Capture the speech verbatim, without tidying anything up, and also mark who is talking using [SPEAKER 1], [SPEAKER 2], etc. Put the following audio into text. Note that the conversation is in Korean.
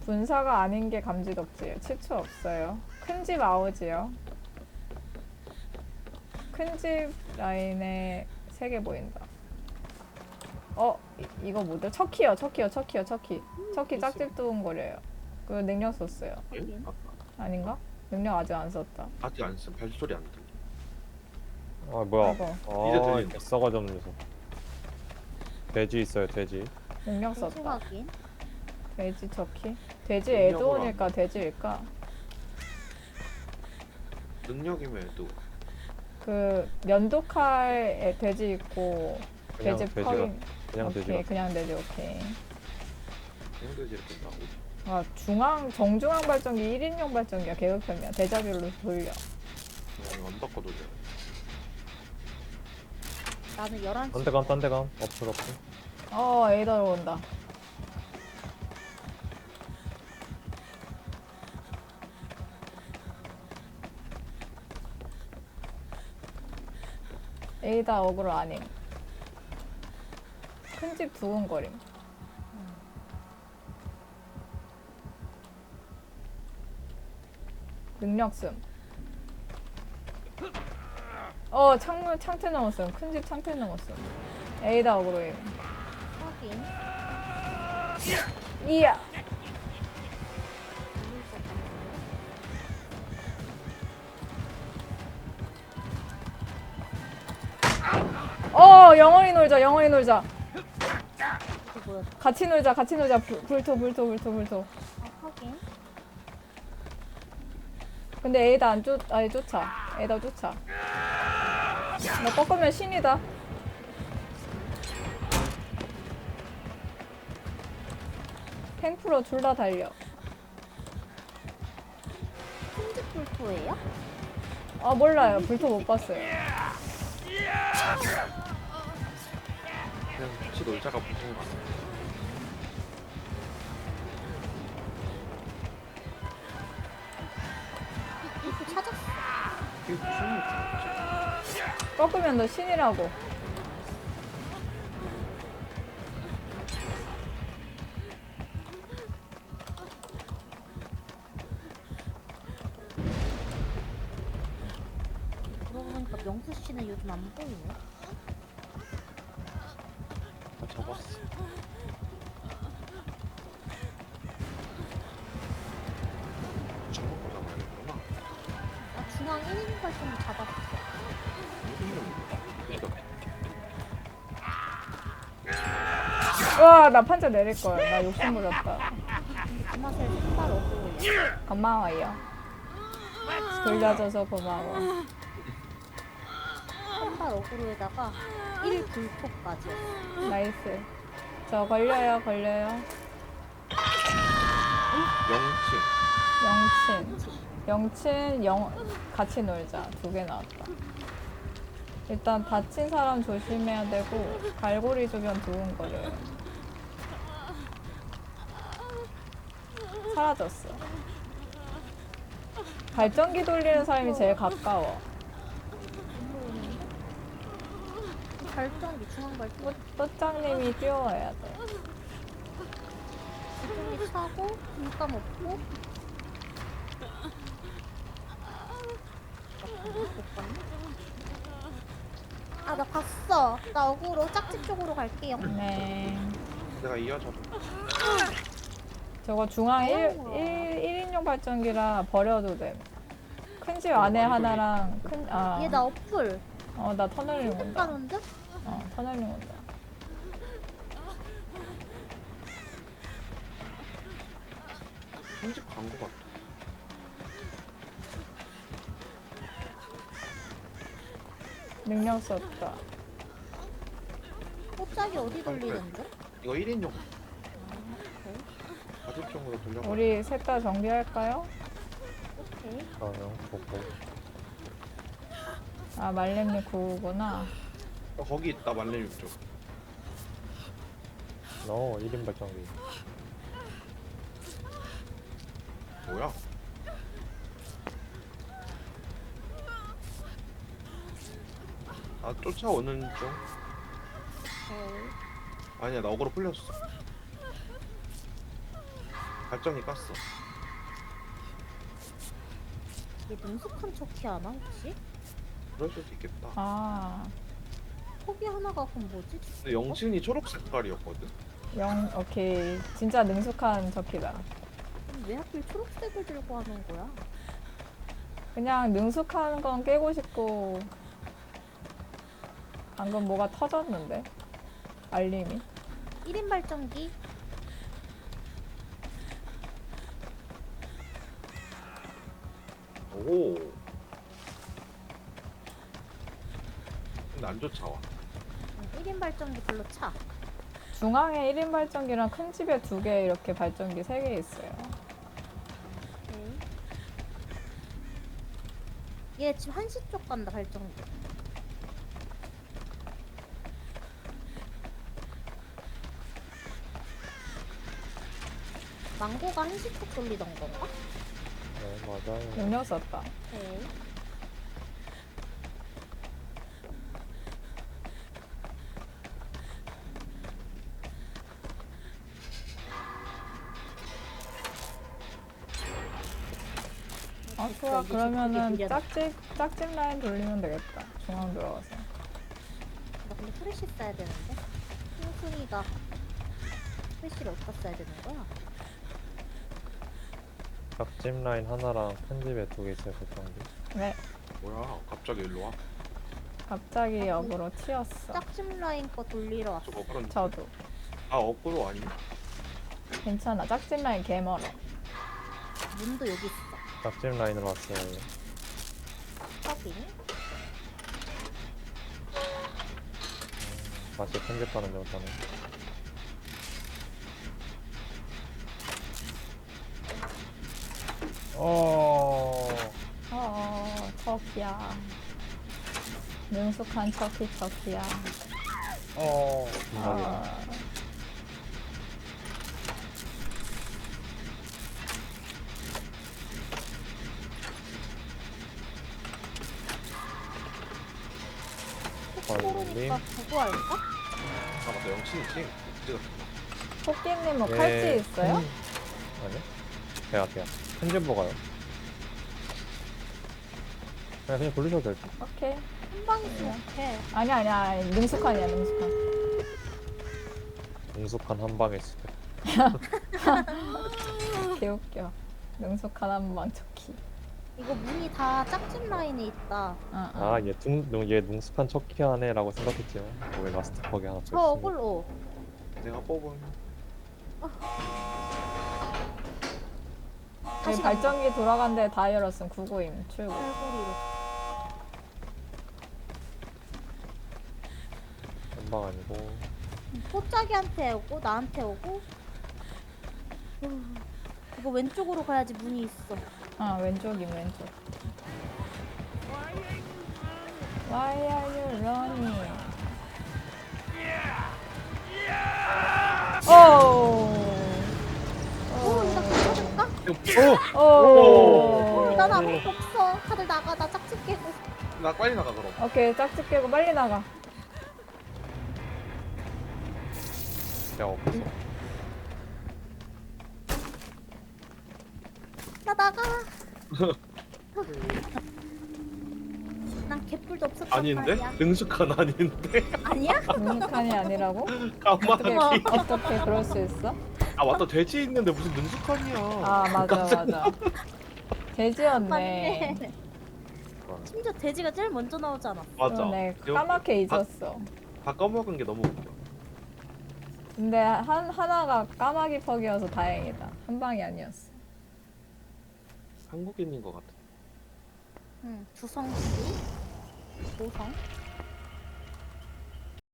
[SPEAKER 1] 분사가 아닌 게 감지덕지예요. 치추 없어요. 큰 집 아우지요. 큰 집 라인에 세 개 보인다. 어? 이, 이거 뭐죠? 척키요, 척키요, 척키요, 척키. 척키 짝집 두근거려요. 그 능력 썼어요.
[SPEAKER 2] 예?
[SPEAKER 3] 확인.
[SPEAKER 2] 아,
[SPEAKER 1] 아닌가? 능력 아직 안 썼다.
[SPEAKER 2] 아직 안 쓴. 발소리 안 들려.
[SPEAKER 4] 아 뭐야?
[SPEAKER 1] 아이고.
[SPEAKER 2] 이제
[SPEAKER 4] 아
[SPEAKER 2] 들린다.
[SPEAKER 4] 싸가지 없는 녀석. 돼지 있어요 돼지.
[SPEAKER 1] 능력
[SPEAKER 3] 돼지
[SPEAKER 1] 썼다.
[SPEAKER 3] 확인.
[SPEAKER 1] 돼지 척키? 돼지
[SPEAKER 2] 능력으로
[SPEAKER 1] 에드온일까 돼지일까?
[SPEAKER 2] 능력이면 해도
[SPEAKER 1] 그 면도칼에 돼지 있고
[SPEAKER 4] 그냥
[SPEAKER 1] 돼지
[SPEAKER 4] 돼지가
[SPEAKER 1] 펄인.
[SPEAKER 4] 그냥
[SPEAKER 1] 오케이
[SPEAKER 4] 돼지가.
[SPEAKER 1] 그냥 돼지 오케이.
[SPEAKER 2] 생돼지를 뺀다고?
[SPEAKER 1] 아 중앙 정중앙 발전기 일 인용 발전기야. 계급형이야. 대자별로 돌려.
[SPEAKER 2] 그냥 안 바꿔 돌려.
[SPEAKER 3] 나는 열한 시.
[SPEAKER 4] 딴데감 딴데감 없어 없어.
[SPEAKER 1] 어 에이더로 온다. 에이다 어그로 아님. 큰 집 두근거림. 능력씀. 어 창문 창틀 넘었음. 큰 집 창틀 넘었음. 에이다 어그로임.
[SPEAKER 3] 확인.
[SPEAKER 1] 이야. 어 영원히 놀자 영원히 놀자.
[SPEAKER 3] 이게 뭐야?
[SPEAKER 1] 같이 놀자 같이 놀자. 불, 불토 불토 불토 불토.
[SPEAKER 3] 아, 확인.
[SPEAKER 1] 근데 에이다 안 쫓, 아니 쫓아. 에이다 쫓아. 너 꺾으면 신이다. 탱프로 둘 다 달려.
[SPEAKER 3] 큰집 불토예요?
[SPEAKER 1] 아 몰라요. 불토 못 봤어요.
[SPEAKER 2] 그냥 같이 놀자가 보통 거 같아.
[SPEAKER 3] 불토 찾았어.
[SPEAKER 2] 이게 무슨 일이지?
[SPEAKER 1] 꺾으면 너 신이라고.
[SPEAKER 3] 그러고 보니까 명수 씨는 요즘 안 보이네.
[SPEAKER 2] 다 잡았어. 저거 잡아야겠구나.
[SPEAKER 3] 아, 중앙 일 인 발전기 잡았어.
[SPEAKER 1] 와 나 판자 내릴 걸. 나 욕심 부렸다.
[SPEAKER 3] 그 맛에 신발 얻고
[SPEAKER 1] 고마워요. 돌려줘서 고마워.
[SPEAKER 3] 신발 어그로에다가 일 불토까지.
[SPEAKER 1] 나이스. 저 걸려요 걸려요.
[SPEAKER 2] 영치.
[SPEAKER 1] 영친. 영친 영 같이 놀자. 두 개 나왔다. 일단 다친 사람 조심해야 되고 갈고리 주변 두근거려요. 사라졌어. 발전기 돌리는 사람이 제일 가까워.
[SPEAKER 3] 발전기 중앙 발전기
[SPEAKER 1] 또짱님이 뛰어와야 돼.
[SPEAKER 3] 발전기 차고 물감 없고. 아, 나 봤어. 나 어그로 짝집 쪽으로 갈게요.
[SPEAKER 1] 네.
[SPEAKER 2] 내가 이어져.
[SPEAKER 1] 저거 중앙 일,
[SPEAKER 3] 어려워.
[SPEAKER 1] 일, 일인용 발전기라 버려도 돼. 큰 집 안에
[SPEAKER 2] 많이
[SPEAKER 1] 하나랑 큰, 아.
[SPEAKER 3] 얘 나 어플.
[SPEAKER 1] 어, 나 터널링 온다.
[SPEAKER 3] 가는데?
[SPEAKER 1] 어, 터널링 온다.
[SPEAKER 2] 편집 광고 같아.
[SPEAKER 1] 능력 썼다.
[SPEAKER 3] 꽃짝이 어디 돌리는데?
[SPEAKER 2] 이거 일 인용
[SPEAKER 3] 오케이.
[SPEAKER 2] 가집종으로 돌려.
[SPEAKER 1] 우리 셋 다 정비할까요?
[SPEAKER 3] 오케이.
[SPEAKER 4] 아요 보고.
[SPEAKER 1] 아, 말렘님 구구나.
[SPEAKER 2] 어, 거기 있다 말레 육쪽.
[SPEAKER 4] 너 일 인 발전기.
[SPEAKER 2] 뭐야? 아 쫓아오는 중.
[SPEAKER 3] 오케이.
[SPEAKER 2] 아니야 나 어그로 풀렸어. 발전기 깠어.
[SPEAKER 3] 이게 능숙한 척키 하나 혹시?
[SPEAKER 2] 그럴 수도 있겠다.
[SPEAKER 1] 아,
[SPEAKER 3] 턱이 하나가 그럼 뭐지?
[SPEAKER 2] 근데 영신이 초록 색깔이었거든.
[SPEAKER 1] 영, 오케이. 진짜 능숙한 척키다.
[SPEAKER 3] 왜 하필 초록색을 들고 하는 거야?
[SPEAKER 1] 그냥 능숙한 건 깨고 싶고. 방금 뭐가 터졌는데? 알림이.
[SPEAKER 3] 일 인 발전기?
[SPEAKER 2] 오. 근데 안 쫓아와.
[SPEAKER 3] 응, 일 인 발전기 별로 차.
[SPEAKER 1] 중앙에 일 인 발전기랑 큰 집에 두 개 이렇게 발전기 세 개 있어요.
[SPEAKER 3] 오케이. 얘 지금 한시 쪽 간다 발전기. 망고가 한시 쪽 돌리던 건가?
[SPEAKER 4] 네 맞아요.
[SPEAKER 1] 능력 썼다.
[SPEAKER 3] 오케이.
[SPEAKER 1] 아,
[SPEAKER 3] 됐어,
[SPEAKER 1] 좋아.
[SPEAKER 3] 이제
[SPEAKER 1] 그러면은
[SPEAKER 3] 저쪽에 밀려나.
[SPEAKER 1] 짝집, 짝집 라인 돌리면 되겠다. 중앙 들어가서.
[SPEAKER 3] 나 근데 프레쉬 써야 되는데? 핑순이가 프레쉬를 어디다 써야 되는 거야?
[SPEAKER 4] 닭집 라인 하나랑 큰 집에 두 개 있어요 발전기.
[SPEAKER 1] 네.
[SPEAKER 2] 뭐야? 갑자기 일로 와?
[SPEAKER 1] 갑자기 역으로 튀었어.
[SPEAKER 3] 짝집 라인 거 돌리러 왔어.
[SPEAKER 2] 저거 그런.
[SPEAKER 1] 저도.
[SPEAKER 2] 아 어그로 아니야?
[SPEAKER 1] 괜찮아. 짝집 라인 개 멀어.
[SPEAKER 3] 문도 여기 있어.
[SPEAKER 4] 닭집 라인으로 왔어요.
[SPEAKER 3] 서빙.
[SPEAKER 4] 다시 큰 집 가는 중 저는. 어.
[SPEAKER 1] 어, 척이야. 능숙한 척이 척이야.
[SPEAKER 4] 어. 중간이네.
[SPEAKER 1] 아,
[SPEAKER 3] 코로니까 그거 할까?
[SPEAKER 2] 아 맞다 영신이지. 찍었다.
[SPEAKER 1] 토끼님 뭐
[SPEAKER 4] 예,
[SPEAKER 1] 칼찌 있어요?
[SPEAKER 4] 큰- 아니요. 제가 제가 큰 집 먹어요. 그냥 그냥 돌리셔도 될 듯.
[SPEAKER 1] 오케이.
[SPEAKER 3] 한 방 있으면 돼.
[SPEAKER 1] 아니야, 아니야. 능숙한이야, 능숙한.
[SPEAKER 4] 능숙한 한 방에 있을 때.
[SPEAKER 1] 개웃겨. 능숙한 한방 척키.
[SPEAKER 3] 이거 문이 다 짝집 라인에 있다.
[SPEAKER 1] 어, 어.
[SPEAKER 4] 아, 얘 둥, 둥- 얘 능숙한 척키하네라고 생각했지만 왜 라스트 퍽이 하나 더
[SPEAKER 3] 저
[SPEAKER 4] 있습니다.
[SPEAKER 3] 어글로.
[SPEAKER 2] 내가 뽑은.
[SPEAKER 1] 여기
[SPEAKER 3] 다시
[SPEAKER 1] 발전기 돌아간 데 다 열었음. 구구임 출구.
[SPEAKER 3] 얼굴이로.
[SPEAKER 4] 한방 아니고.
[SPEAKER 3] 포짜기한테 오고 나한테 오고. 후, 이거 왼쪽으로 가야지 문이 있어.
[SPEAKER 1] 아, 왼쪽임, 왼쪽. Why are you running? 오!
[SPEAKER 3] 오, 이거 괜찮을까?
[SPEAKER 2] 오!
[SPEAKER 1] 오!
[SPEAKER 3] 오, 난 아무것도 없어. 다들 나가. 나 짝집 깨고.
[SPEAKER 2] 나 빨리 나가 그럼.
[SPEAKER 1] 오케이, 짝짓 깨고 빨리 나가.
[SPEAKER 4] 그냥 없어.
[SPEAKER 3] 나 나가. 난 개뿔도 없었단
[SPEAKER 2] 아닌데?
[SPEAKER 3] 말이야.
[SPEAKER 2] 능숙한 아닌데?
[SPEAKER 3] 아니야?
[SPEAKER 1] 능숙한이 아니라고?
[SPEAKER 2] 까마귀.
[SPEAKER 1] 어떻게, 어떻게 그럴 수 있어?
[SPEAKER 2] 아 맞다 돼지 있는데 무슨 능숙한이야.
[SPEAKER 1] 아, 맞아, 맞아. 돼지였네.
[SPEAKER 3] 맞네. 심지어 돼지가 제일 먼저 나오지 않았어?
[SPEAKER 2] 맞아.
[SPEAKER 1] 그러네.
[SPEAKER 2] 이거
[SPEAKER 1] 까맣게
[SPEAKER 2] 바-
[SPEAKER 1] 잊었어.
[SPEAKER 2] 다 까먹은 게 너무 웃겨.
[SPEAKER 1] 근데 한, 하나가 까마귀 퍽이어서 다행이다. 한 방이 아니었어.
[SPEAKER 2] 한국인인 것 같아.
[SPEAKER 3] 응, 주성씨. 고성.